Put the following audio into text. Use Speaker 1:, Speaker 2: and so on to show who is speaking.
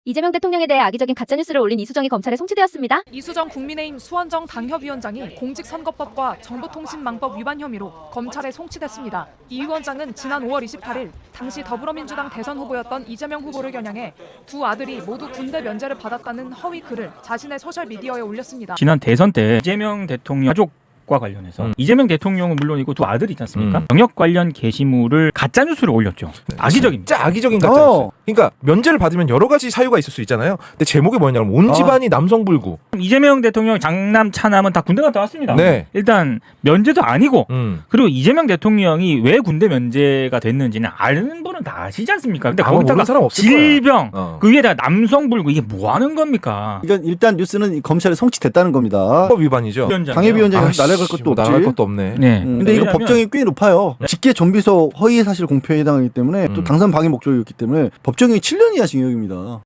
Speaker 1: 이재명 대통령에 대해 악의적인 가짜뉴스를 올린 이수정이 검찰에 송치되었습니다.
Speaker 2: 이수정 국민의힘 수원정 당협위원장이 공직선거법과 정보통신망법 위반 혐의로 검찰에 송치됐습니다. 이 위원장은 지난 5월 28일 당시 더불어민주당 대선 후보였던 이재명 후보를 겨냥해 두 아들이 모두 군대 면제를 받았다는 허위 글을 자신의 소셜미디어에 올렸습니다.
Speaker 3: 지난 대선 때 이재명 대통령 가족과 관련해서 이재명 대통령은 물론이고 두 아들이 있지 않습니까? 병역 관련 게시물을 가짜뉴스를 올렸죠. 악의적입니다.
Speaker 4: 진짜 악의적인 가짜뉴스. 그러니까 면제를 받으면 여러 가지 사유가 있을 수 있잖아요. 근데 제목이 뭐냐면 온 집안이 남성불구.
Speaker 3: 이재명 대통령 장남 차남은 다 군대 갔다 왔습니다.
Speaker 4: 네.
Speaker 3: 일단 면제도 아니고 그리고 이재명 대통령이 왜 군대 면제가 됐는지는 아는 분은 다 아시지 않습니까? 근데
Speaker 4: 아마 모르는 사람
Speaker 3: 거기다가
Speaker 4: 없을
Speaker 3: 질병
Speaker 4: 거야.
Speaker 3: 그 위에다 남성불구 이게 뭐 하는 겁니까?
Speaker 5: 이건 일단 뉴스는 검찰에 송치됐다는 겁니다.
Speaker 4: 법 위반이죠.
Speaker 5: 당협위원장이
Speaker 4: 아이씨,
Speaker 5: 날아갈 것도 없지.
Speaker 4: 나갈 것도 없네.
Speaker 3: 네.
Speaker 5: 근데 이거
Speaker 3: 왜냐하면
Speaker 5: 법정이 꽤 높아요. 직계 정비서 허위 사실 공표에 해당하기 때문에 또 당선 방해 목적이었기 때문에 법정이 7년 이하 징역입니다.